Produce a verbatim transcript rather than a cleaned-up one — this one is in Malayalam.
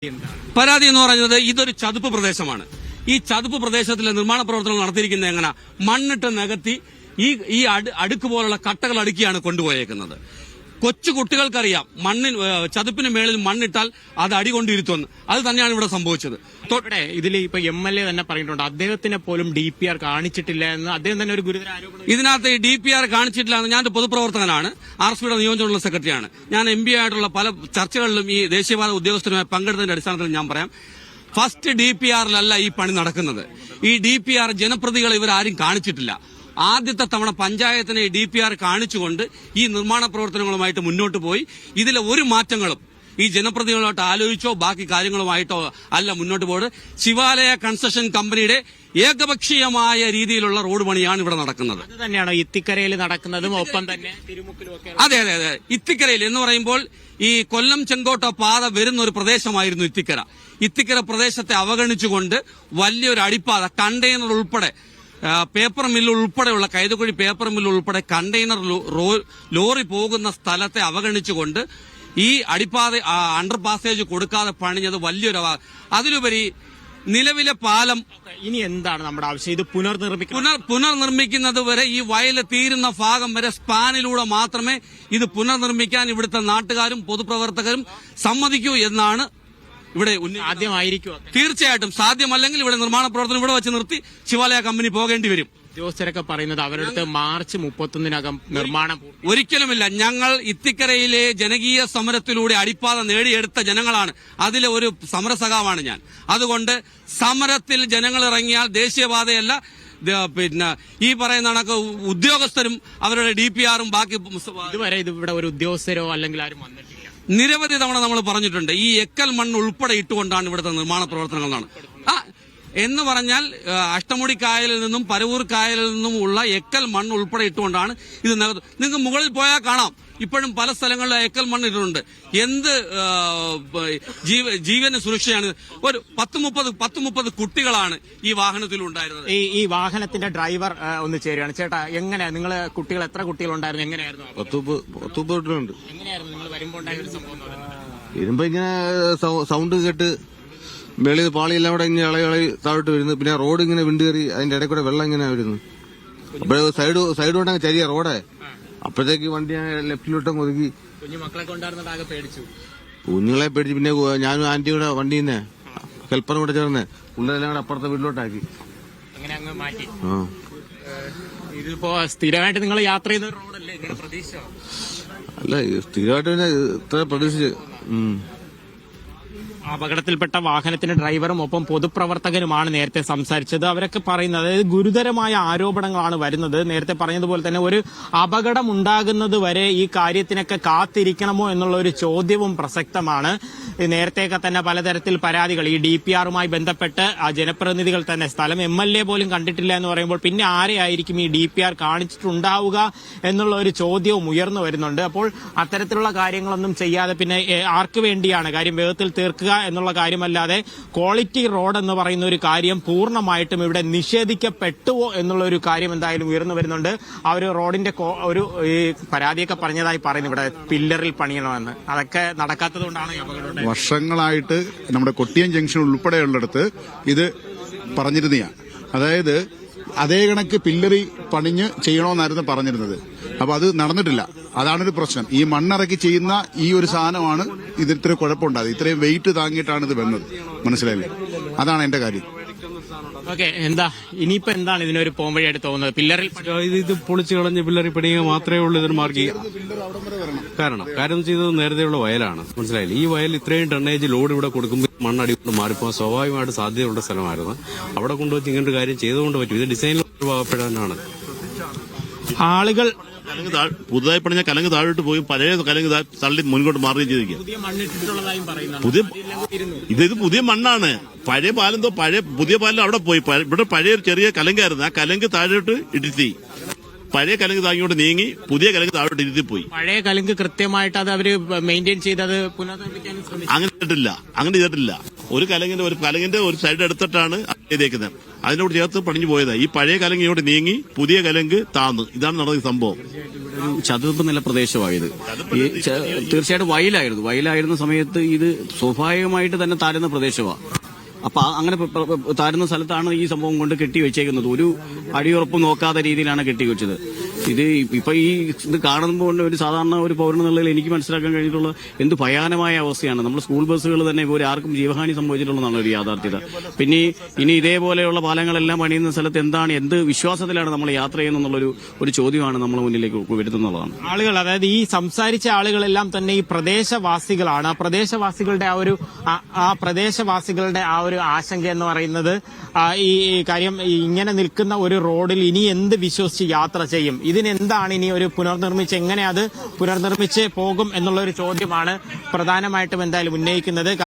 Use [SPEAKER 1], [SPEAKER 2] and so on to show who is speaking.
[SPEAKER 1] പരാതി എന്ന് പറയുന്നത് ഇതൊരു ചതുപ്പ് പ്രദേശമാണ്. ഈ ചതുപ്പ് പ്രദേശത്തിലെ നിർമ്മാണ പ്രവർത്തനങ്ങൾ നടത്തിയിരിക്കുന്നത് എങ്ങനെ? മണ്ണിട്ട് നികത്തി ഈ ഈ അടുക്ക് പോലുള്ള കട്ടകൾ അടുക്കിയാണ് കൊണ്ടുപോയേക്കുന്നത്. കൊച്ചു കുട്ടികൾക്കറിയാം മണ്ണിന് ചതുപ്പിന് മേളിൽ മണ്ണിട്ടാൽ അത് അടികൊണ്ടിരുത്തുമെന്ന്. അത് തന്നെയാണ് ഇവിടെ സംഭവിച്ചത്.
[SPEAKER 2] ഇതിൽ ഇപ്പൊ എം എൽ എ തന്നെ പറഞ്ഞിട്ടുണ്ട് അദ്ദേഹത്തിനെ പോലും ഡി പി ആർ കാണിച്ചിട്ടില്ല എന്ന് അദ്ദേഹം തന്നെ ഒരു ഗുരുതര ആരോപണം.
[SPEAKER 1] ഇതിനകത്ത് ഡി പി ആർ കാണിച്ചിട്ടില്ല എന്ന് ഞാൻ പൊതുപ്രവർത്തകനാണ്, ആർ എസ് പിയുടെ നിയോജകമണ്ഡല സെക്രട്ടറിയാണ്. ഞാൻ എം പി ആയിട്ടുള്ള പല ചർച്ചകളിലും ഈ ദേശീയപാത ഉദ്യോഗസ്ഥരുമായി പങ്കെടുത്തതിന്റെ അടിസ്ഥാനത്തിൽ ഞാൻ പറയാം, ഫസ്റ്റ് ഡി പി ആറിലല്ല ഈ പണി നടക്കുന്നത്. ഈ ഡി പി ആർ ജനപ്രതികൾ ഇവരാരും കാണിച്ചിട്ടില്ല. ആദ്യത്തെ തവണ പഞ്ചായത്തിനെ ഡി പി ആർ കാണിച്ചുകൊണ്ട് ഈ നിർമ്മാണ പ്രവർത്തനങ്ങളുമായിട്ട് മുന്നോട്ട് പോയി. ഇതിലെ ഒരു മാറ്റങ്ങളും ഈ ജനപ്രതിനിധികളായിട്ട് ആലോചിച്ചോ ബാക്കി കാര്യങ്ങളുമായിട്ടോ അല്ല മുന്നോട്ട് പോയത്. ശിവാലയ കൺസ്ട്രക്ഷൻ കമ്പനിയുടെ ഏകപക്ഷീയമായ രീതിയിലുള്ള റോഡ് പണിയാണ് ഇവിടെ നടക്കുന്നത്.
[SPEAKER 2] അത് തന്നെയാണോ ഇത്തിക്കരയിൽ നടക്കുന്നതും ഒപ്പം തന്നെ തിരുമുക്കിലും ഒക്കെ?
[SPEAKER 1] അതെ അതെ അതെ. ഇത്തിക്കരയിൽ എന്ന് പറയുമ്പോൾ ഈ കൊല്ലം ചെങ്കോട്ട പാത വരുന്ന ഒരു പ്രദേശമായിരുന്നു ഇത്തിക്കര. ഇത്തിക്കര പ്രദേശത്തെ അവഗണിച്ചുകൊണ്ട് വലിയൊരു അടിപ്പാത കണ്ടെയ്നർ ഉൾപ്പെടെ പേപ്പർ മില്ല് ഉൾപ്പെടെയുള്ള കൈതക്കുഴി പേപ്പർ മില്ല് ഉൾപ്പെടെ കണ്ടെയ്നർ ലോറി പോകുന്ന സ്ഥലത്തെ അവഗണിച്ചുകൊണ്ട് ഈ അടിപ്പാത അണ്ടർ പാസേജ് കൊടുക്കാതെ പണിഞ്ഞത് വലിയൊരു. അതിലുപരി നിലവിലെ പാലം
[SPEAKER 2] ഇനി എന്താണ് നമ്മുടെ ആവശ്യം? ഇത് പുനർനിർമ്മിക്കും.
[SPEAKER 1] പുനർ പുനർനിർമ്മിക്കുന്നത് വരെ ഈ വയല് തീരുന്ന ഭാഗം വരെ സ്പാനിലൂടെ മാത്രമേ ഇത് പുനർനിർമ്മിക്കാൻ ഇവിടുത്തെ നാട്ടുകാരും പൊതുപ്രവർത്തകരും സമ്മതിക്കൂ എന്നാണ് ഇവിടെ
[SPEAKER 2] ആദ്യമായിരിക്കും.
[SPEAKER 1] തീർച്ചയായിട്ടും സാധ്യമല്ലെങ്കിൽ ഇവിടെ നിർമ്മാണ പ്രവർത്തനം ഇവിടെ വെച്ച് നിർത്തി ശിവാലയ കമ്പനി പോകേണ്ടി വരും.
[SPEAKER 2] ഉദ്യോഗസ്ഥരൊക്കെ പറയുന്നത് അവരുടെ മാർച്ച് മുപ്പത്തൊന്നിനകം നിർമ്മാണം
[SPEAKER 1] ഒരിക്കലുമില്ല. ഞങ്ങൾ ഇത്തിക്കരയിലെ ജനകീയ സമരത്തിലൂടെ അടിപ്പാത നേടിയെടുത്ത ജനങ്ങളാണ്. അതിലെ ഒരു സമരസഖാവാണ് ഞാൻ. അതുകൊണ്ട് സമരത്തിൽ ജനങ്ങൾ ഇറങ്ങിയാൽ ദേശീയപാതയല്ല, പിന്നെ ഈ പറയുന്ന കണക്ക് ഉദ്യോഗസ്ഥരും അവരുടെ ഡി പി ആറും ബാക്കി
[SPEAKER 2] ഇതുവരെ ഇത് ഇവിടെ ഒരു ഉദ്യോഗസ്ഥരോ അല്ലെങ്കിൽ ആരും വന്നിട്ടില്ല.
[SPEAKER 1] നിരവധി തവണ നമ്മൾ പറഞ്ഞിട്ടുണ്ട്. ഈ എക്കൽ മണ്ണ് ഉൾപ്പെടെ ഇട്ടുകൊണ്ടാണ് ഇവിടുത്തെ നിർമ്മാണ പ്രവർത്തനങ്ങൾ നടന്നത്. ആ എന്ന് പറഞ്ഞാൽ അഷ്ടമുടി കായലിൽ നിന്നും പരവൂർ കായലിൽ നിന്നും ഉള്ള എക്കൽ മണ്ണ് ഉൾപ്പെടെ ഇട്ടുകൊണ്ടാണ് ഇത്. നിങ്ങൾക്ക് മുകളിൽ പോയാൽ കാണാം, ഇപ്പോഴും പല സ്ഥലങ്ങളിലും എക്കൽ മണ്ണ് ഇട്ടിട്ടുണ്ട്. എന്ത് ജീവന് സുരക്ഷയാണ്? ഒരു പത്ത് മുപ്പത് പത്ത് മുപ്പത് കുട്ടികളാണ് ഈ വാഹനത്തിൽ ഉണ്ടായിരുന്നത്.
[SPEAKER 2] ഈ ഈ വാഹനത്തിന്റെ ഡ്രൈവർ ഒന്ന് ചേരുകയാണ്. ചേട്ടാ, എങ്ങനെയാ നിങ്ങൾ കുട്ടികൾ എത്ര കുട്ടികൾ ഉണ്ടായിരുന്നു? എങ്ങനെയായിരുന്നു? എങ്ങനെയായിരുന്നു നിങ്ങൾ വരുമ്പോൾ ഉണ്ടായ ഒരു സംഭവം?
[SPEAKER 3] വരുമ്പോ ഇങ്ങനെ സൗണ്ട് കേട്ട് വെളി പാളിയെല്ലാം കൂടെ ഇങ്ങനെ ഇളകി ഇളകി താഴോട്ട് വരുന്നു. പിന്നെ റോഡ് ഇങ്ങനെ വിണ്ട് കയറി അതിന്റെ ഇടയിൽ കൂടെ വെള്ളം ഇങ്ങനെ വരുന്നു. അപ്പോഴേ സൈഡ് സൈഡ് കൊണ്ടങ്ങ് ചരിയ റോഡേ. അപ്പോഴത്തേക്ക് വണ്ടി ലെഫ്റ്റിലോട്ടങ്ങ് ഒതുക്കി.
[SPEAKER 2] കുഞ്ഞുമക്കളൊക്കെ ഉണ്ടായിരുന്നത് പേടിച്ചു.
[SPEAKER 3] കുഞ്ഞുങ്ങളെ പേടിച്ച് പിന്നെ ഞാനും ആന്റിയും കൂടെ വണ്ടിയിൽ നിന്ന് ഹെൽപ്പറും കൂടെ ചേർന്ന് പിള്ളേരെല്ലാം കൂടെ അപ്പുറത്തെ വീട്ടിലോട്ടാക്കി.
[SPEAKER 2] അങ്ങനെ അങ്ങ് മാറ്റി. ഇതിപ്പോ സ്ഥിരമായിട്ട് നിങ്ങൾ യാത്ര ചെയ്ത റോഡല്ലേ? ഇങ്ങനെ പ്രതീക്ഷ
[SPEAKER 3] അല്ല, സ്ഥിരമായിട്ട് പിന്നെ ഇത്ര പ്രതീക്ഷിച്ച്.
[SPEAKER 2] അപകടത്തിൽപ്പെട്ട വാഹനത്തിന്റെ ഡ്രൈവറും ഒപ്പം പൊതുപ്രവർത്തകനുമാണ് നേരത്തെ സംസാരിച്ചത്. അവരൊക്കെ പറയുന്നത് അതായത് ഗുരുതരമായ ആരോപണങ്ങളാണ് വരുന്നത്. നേരത്തെ പറഞ്ഞതുപോലെ തന്നെ ഒരു അപകടം ഉണ്ടാകുന്നത് വരെ ഈ കാര്യത്തിനൊക്കെ കാത്തിരിക്കണമോ എന്നുള്ള ഒരു ചോദ്യവും പ്രസക്തമാണ്. നേരത്തെയൊക്കെ തന്നെ പലതരത്തിൽ പരാതികൾ ഈ ഡി പി ആറുമായി ബന്ധപ്പെട്ട് ആ ജനപ്രതിനിധികൾ തന്നെ സ്ഥലം എം എൽ എ പോലും കണ്ടിട്ടില്ല എന്ന് പറയുമ്പോൾ പിന്നെ ആരെയായിരിക്കും ഈ ഡി പി ആർ കാണിച്ചിട്ടുണ്ടാവുക എന്നുള്ള ഒരു ചോദ്യവും ഉയർന്നു വരുന്നുണ്ട്. അപ്പോൾ അത്തരത്തിലുള്ള കാര്യങ്ങളൊന്നും ചെയ്യാതെ പിന്നെ ആർക്ക് വേണ്ടിയാണ് കാര്യം വേഗത്തിൽ തീർക്കുക എന്നുള്ള കാര്യമല്ലാതെ ക്വാളിറ്റി റോഡ് എന്ന് പറയുന്ന ഒരു കാര്യം പൂർണ്ണമായിട്ടും ഇവിടെ നിഷേധിക്കപ്പെട്ടുവോ എന്നുള്ള ഒരു കാര്യം എന്തായാലും ഉയർന്നു വരുന്നുണ്ട്. ആ ഒരു റോഡിന്റെ ഒരു പരാതിയൊക്കെ പറഞ്ഞതായി പറയുന്നു ഇവിടെ പില്ലറിൽ പണിയണമെന്ന്. അതൊക്കെ നടക്കാത്തത് കൊണ്ടാണ് അപകടം.
[SPEAKER 4] വർഷങ്ങളായിട്ട് നമ്മുടെ കൊട്ടിയം ജംഗ്ഷൻ ഉൾപ്പെടെയുള്ളിടത്ത് ഇത് പറഞ്ഞിരുന്നതാണ്. അതായത് അതേ കണക്ക് പില്ലറി പണിഞ്ഞ് ചെയ്യണമെന്നായിരുന്നു പറഞ്ഞിരുന്നത്. അപ്പൊ അത് നടന്നിട്ടില്ല. അതാണൊരു പ്രശ്നം. ഈ മണ്ണിറക്കി ചെയ്യുന്ന ഈ ഒരു സാധനമാണ് ഇത് ഇത്ര കുഴപ്പമുണ്ടായത്. ഇത്രയും വെയിറ്റ് താങ്ങിയിട്ടാണ് ഇത് വന്നത്. മനസ്സിലായില്ലേ? അതാണ് എന്റെ കാര്യം.
[SPEAKER 2] ഓക്കെ, എന്താ ഇനിയിപ്പോ എന്താണ് ഇതിനൊരു പോംവഴിയായിട്ട് തോന്നുന്നത്? പില്ലറിൽ
[SPEAKER 5] ഇത് പൊളിച്ചു കളഞ്ഞ് പില്ലറി പണിയുക മാത്രമേ ഉള്ളൂ ഇതിന് മാർഗം. കാരണം കാര്യം ചെയ്തത് നേരത്തെയുള്ള വയലാണ്. മനസ്സിലായില്ലേ? ഈ വയൽ ഇത്രയും ടണ്ണേജ് ലോഡ് ഇവിടെ കൊടുക്കുമ്പോൾ മണ്ണടി കൊണ്ട് മാറിപ്പോകാൻ സ്വാഭാവികമായിട്ട് സാധ്യതയുള്ള സ്ഥലമായിരുന്നു. അവിടെ കൊണ്ടുവച്ച് ഇങ്ങനൊരു കാര്യം ചെയ്തുകൊണ്ട് പറ്റും. ഇത് ഡിസൈനിൽ ഒഴിവാക്കപ്പെടാനാണ്.
[SPEAKER 2] ആളുകൾ
[SPEAKER 6] പുതുതായി പണിഞ്ഞ കലങ്ക് താഴോട്ട് പോയി പഴയ കലങ്ക് തള്ളി മുൻപോട്ട് മാറുകയും ചെയ്തിരിക്കുക. പുതിയ ഇത് ഇത് പുതിയ മണ്ണാണ്. പഴയ പാലെന്തോ പഴയ പുതിയ പാലം അവിടെ പോയി. ഇവിടെ പഴയ ചെറിയ കലങ്കായിരുന്നു. ആ കലങ്ക് താഴോട്ട് ഇടിത്തി പഴയ കലങ്ക് താങ്ങിയോട്ട് നീങ്ങി പുതിയ കലങ്ക് താഴോട്ട് ഇരുത്തി പോയി.
[SPEAKER 2] പഴയ കലങ്ക് കൃത്യമായിട്ട് അത് അവര് മെയിൻറ്റെയിൻ ചെയ്തത് പുനർനിർമ്മിക്കാൻ
[SPEAKER 6] അങ്ങനെ ചെയ്തിട്ടില്ല. അങ്ങനെ ചെയ്തിട്ടില്ല. ഒരു കലങ്ങിന്റെ ഒരു കലങ്ങിന്റെ ഒരു സൈഡ് എടുത്തിട്ടാണ് ചെയ്തേക്കുന്നത്. അതിനോട് ചേർത്ത് പണിഞ്ഞു പോയത്. ഈ പഴയ കലങ്ക് ഇങ്ങോട്ട് നീങ്ങി പുതിയ കലങ്ക് താന്ന്. ഇതാണ് നടന്ന സംഭവം.
[SPEAKER 7] ഒരു ചതുപ്പ് നില പ്രദേശമായത് ഈ ച- തീർച്ചയായിട്ടും വയലായിരുന്നു വയലായിരുന്ന സമയത്ത് ഇത് സ്വാഭാവികമായിട്ട് തന്നെ താരുന്ന പ്രദേശമാണ്. അപ്പൊ ആ- അങ്ങനെ പ- പ- പ- താരുന്ന സ്ഥലത്താണ് ഈ സംഭവം കൊണ്ട് കെട്ടി വെച്ചേക്കുന്നത്. ഒരു അടിയുറപ്പ് നോക്കാത്ത രീതിയിലാണ് കെട്ടിവെച്ചത്. ഇത് ഇപ്പൊ ഈ ഇത് കാണുമ്പോൾ ഒരു സാധാരണ ഒരു പൗരനെന്നുള്ളതിൽ എനിക്ക് മനസ്സിലാക്കാൻ കഴിഞ്ഞിട്ടുള്ള എന്ത് ഭയാനമായ അവസ്ഥയാണ്. നമ്മൾ സ്കൂൾ ബസ്സുകൾ തന്നെ ഇപ്പോൾ ആർക്കും ജീവഹാനി സംഭവിച്ചിട്ടുള്ളതാണ് ഒരു യാഥാർത്ഥ്യത. പിന്നെ ഇനി ഇതേപോലെയുള്ള പാലങ്ങളെല്ലാം പണിയുന്ന സ്ഥലത്ത് എന്താണ് എന്ത് വിശ്വാസത്തിലാണ് നമ്മൾ യാത്ര ചെയ്യുന്നതെന്നുള്ളൊരു ഒരു ചോദ്യമാണ് നമ്മൾ മുന്നിലേക്ക് വരുത്തുന്നതാണ്.
[SPEAKER 2] ആളുകൾ, അതായത് ഈ സംസാരിച്ച ആളുകളെല്ലാം തന്നെ ഈ പ്രദേശവാസികളാണ്. ആ പ്രദേശവാസികളുടെ ആ ഒരു ആ- ആ പ്രദേശവാസികളുടെ ആ ഒരു ആശങ്ക എന്ന് പറയുന്നത് ആ, ഈ ഈ കാര്യം ഈ ഇങ്ങനെ നിൽക്കുന്ന ഒരു റോഡിൽ ഇനി എന്ത് വിശ്വസിച്ച് യാത്ര ചെയ്യും, ഇതിനെന്താണ് ഇനി ഒരു പുനർനിർമ്മിച്ച് എങ്ങനെ അത് പുനർനിർമ്മിച്ച് പോകും എന്നുള്ള ഒരു ചോദ്യമാണ് പ്രധാനമായിട്ടും എന്തായാലും ഉന്നയിക്കുന്നത്.